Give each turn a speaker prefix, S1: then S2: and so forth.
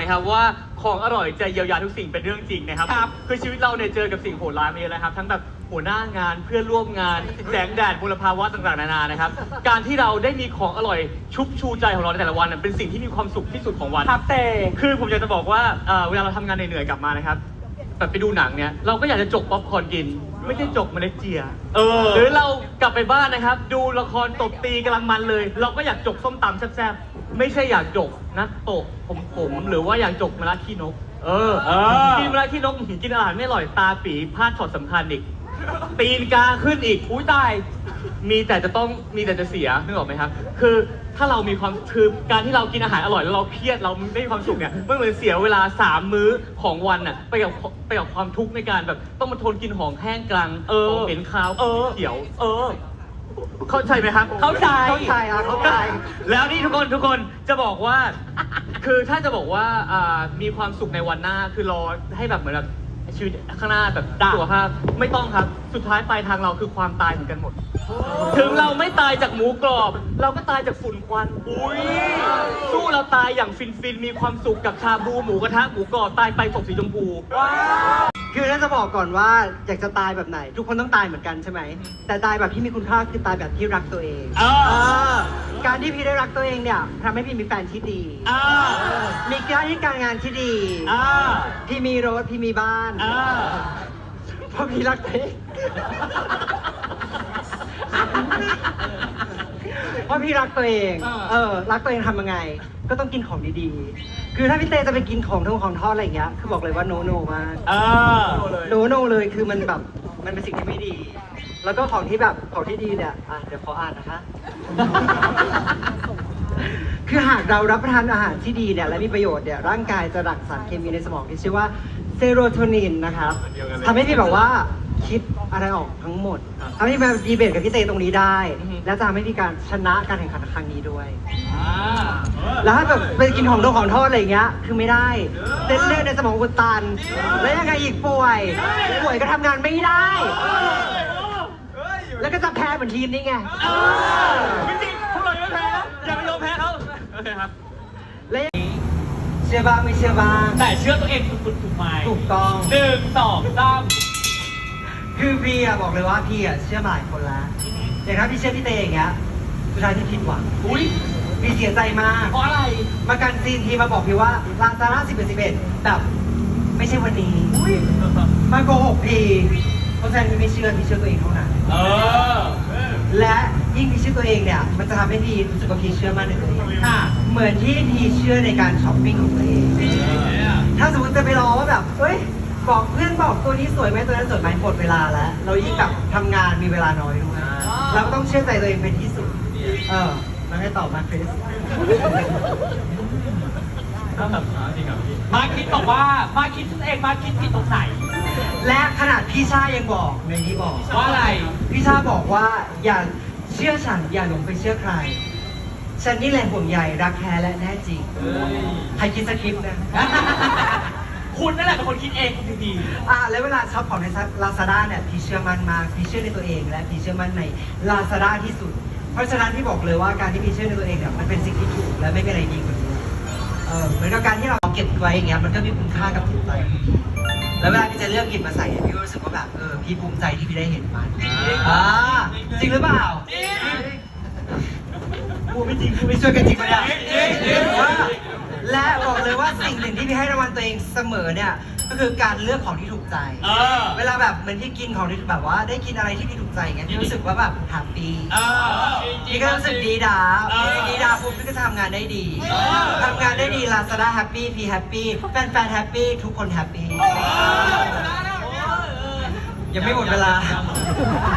S1: นะครับว่าของอร่อยจะเยียวยาทุกสิ่งเป็นเรื่องจริงนะครับคือชีวิตเราเนี่ยเจอกับสิ่งโหดร้ายมาเยอะแล้วครับทั้งแบบหัวหน้างานเพื่อนร่วมงานแสงแดดมลภาวะต่างๆนานานะครับการที่เราได้มีของอร่อยชุบชูใจของเราในแต่ละวันเป็นสิ่งที่มีความสุขที่สุดของวัน
S2: ครับแต่
S1: คือผมอยากจะบอกว่าเวลาเราทำงานเหนื่อยๆกลับมานะครับแบบไปดูหนังเนี่ยเราก็อยากจะจกป๊อปคอร์นกินไม่ใช่จกเมล็ดเจียหรือเรากลับไปบ้านนะครับดูละครตบตีกำลังมันเลยเราก็อยากจกส้มตำแซ่บๆไม่ใช่อยากจกนะโตะผมหรือว่าอยากจกมะระขี้นกกินมะระขี้นกกินอาหารไม่อร่อยตาปีพลาดช็อตสำคัญอีกตีนกาขึ้นอีกอุ้ยตายมีแต่จะเสียนึกออกไหมครับคือถ้าเรามีความคือการที่เรากินอาหารอร่อยแล้วเราเครียดเราไม่มีความสุขเนี่ยมันเหมือนเสียเวลา3 มื้อของวันน่ะไปกับความทุกข์ในการแบบต้องมาทนกินของแห้งกลางของเหม็นคาวเขียวเข้าใจไหมครับ
S2: เข้าใจ
S1: แล้วนี่ทุกคนจะบอกว่าคือถ้าจะบอกว่ามีความสุขในวันหน้าคือรอให้แบบเหมือนแบบชีวิตข้างหน้าแบบสุขภาพไม่ต้องครับสุดท้ายปลายทางเราคือความตายเหมือนกันหมดถึงเราไม่ตายจากหมูกรอบเราก็ตายจากฝุ่นควันสู้เราตายอย่างฟินมีความสุขกับชาบูหมูกระทะหมูกรอบตายไปศพสีชมพู
S2: คือถ้าจะบอกก่อนว่าอยากจะตายแบบไหนทุกคนต้องตายเหมือนกันใช่ไหมแต่ตายแบบที่มีคุณค่าคือตายแบบที่รักตัวเองการที่พี่ได้รักตัวเองเนี่ยทำให้พี่มีแฟนที่ดีมีการงานที่ดีพี่มีรถพี่มีบ้านเพราะพี่รักตัวเองเพราะพี่รักตัวเองรักตัวเองทำยังไงก็ต้องกินของดีๆคือถ้าพี่เตจะไปกินของทอดอะไรอย่างเงี้ยคือบอกเลยว่าโนมากโนเลยคือมันแบบมันเป็นสิ่งที่ไม่ดี แล้วก็ของที่ดีเนี่ยเดี๋ยวขออ่านนะคะ คือหากเรารับประทานอาหารที่ดีเนี่ยและมีประโยชน์เนี่ยร่างกายจะหลั่งสารเคมีในสมองที่ชื่อว่าเซโรโทนินนะครับทำให้พี่แบบว่าคิดอะไรออกทั้งหมดทำให้มาดีเบตกับพี่เตตรงนี้ได้และจะทำให้มีการชนะการแข่งขันครั้งนี้ด้วยแล้วถ้าแบบไปกินของทอดอะไรอย่างเงี้ยคือไม่ได้เส้นเลือดในสมองอุดตันแล้วยังไงอีกป่วยก็ทำงานไม่ได้แล้วก็จะแพ้เหมือนทีมนี้ไง
S1: ไม่จริงพวกเราไม่แพ้อย่าไปยอมแพ้เขาโอเคครับ
S2: และเชื่อบ้างไม่เชื่อบ้าง
S1: แต่เชื่อตัวเองถูกไหม
S2: ถูกต้อง
S1: 1 2 3
S2: คือพี่บอกเลยว่าพี่เชื่อหลายคนแล้วอย่างถ้าพี่เชื่อพี่เตอย่างเงี้ยสุดท้ายพี่ผิดหวังพี่เสียใจมาก
S1: เพราะอะไร
S2: มากันซีนทีมาบอกพี่ว่าลาซาร่า11แบบไม่ใช่วันนี้มาโกหกพี่เพราะฉะนั้นพี่ไม่เชื่อพี่เชื่อตัวเองเท่านั้นและยิ่งพี่เชื่อตัวเองเนี่ยมันจะทำให้พี่รู้สึกว่าพี่เชื่อมั่นในตัวเองเหมือนที่พี่เชื่อในการช้อปปิ้งของตัวเองถ้าสมมติจะไปรอว่าแบบบอกเพื่อนบอกตัวนี้สวยไหมตัวนั้นสวยไหมหมดเวลาแล้วเรายิ่งแบบทำงานมีเวลาน้อยด้วยเราก็ต้องเชื่อใจตัวเองเป็นที่สุดมาให้ตอบมาคริส
S1: มาคิดบอกว่ามาคิดเองมาคิดผิดตรงไหน
S2: และขนาดพี่ชายังบอกในนี้บอก
S1: ว่าอะไร
S2: พี่ชาบอกว่าอย่าเชื่อฉันอย่าหลงไปเชื่อใครฉันนี่แหละห่วงใยรักแท้และแน่จริงใครคิดสคริปต์นะ
S1: คุณนั่นแหละเป็นคนคิดเองคุณดี
S2: แล้วเวลาช็อปของใน Lazada เนี่ยพี่เชื่อมั่นมากพี่เชื่อในตัวเองและพี่เชื่อมั่นใน Lazada ที่สุดเพราะฉะนั้นพี่บอกเลยว่าการที่พี่เชื่อในตัวเองเนี่ยมันเป็นสิ่งที่ถูกและไม่มีอะไรดีกว่านี้เหมือนกับการที่เราเก็บไว้อย่างเงี้ยมันก็มีคุณค่ากับจิตใจแล้วเวลาพี่จะเลือกหยิบมาใส่พี่รู้สึกว่าแบบพี่ภูมิใจที่พี่ได้เห็นมันจริงหรือเปล่ากูไม่จริงกูไม่ช่วยกันจริงปะเนี่ยและบอกเลยว่าสิ่งหนึ่งที่พี่ให้รางวัลตัวเองเสมอเนี่ยก็คือการเลือกของที่ถูกใจเวลาแบบเหมือนที่กินของที่แบบว่าได้กินอะไรที่พี่ถูกใจอย่างเงี้ยพี่รู้สึกว่าแบบแฮปปี้พี่ก็รู้สึกดีดาปุ๊บพี่ก็ทำงานได้ดีLazadaแฮปปี้พี่แฮปปี้แฟนแฮปปี้ทุกคนแฮปปี้ยังไม่หมดเวลา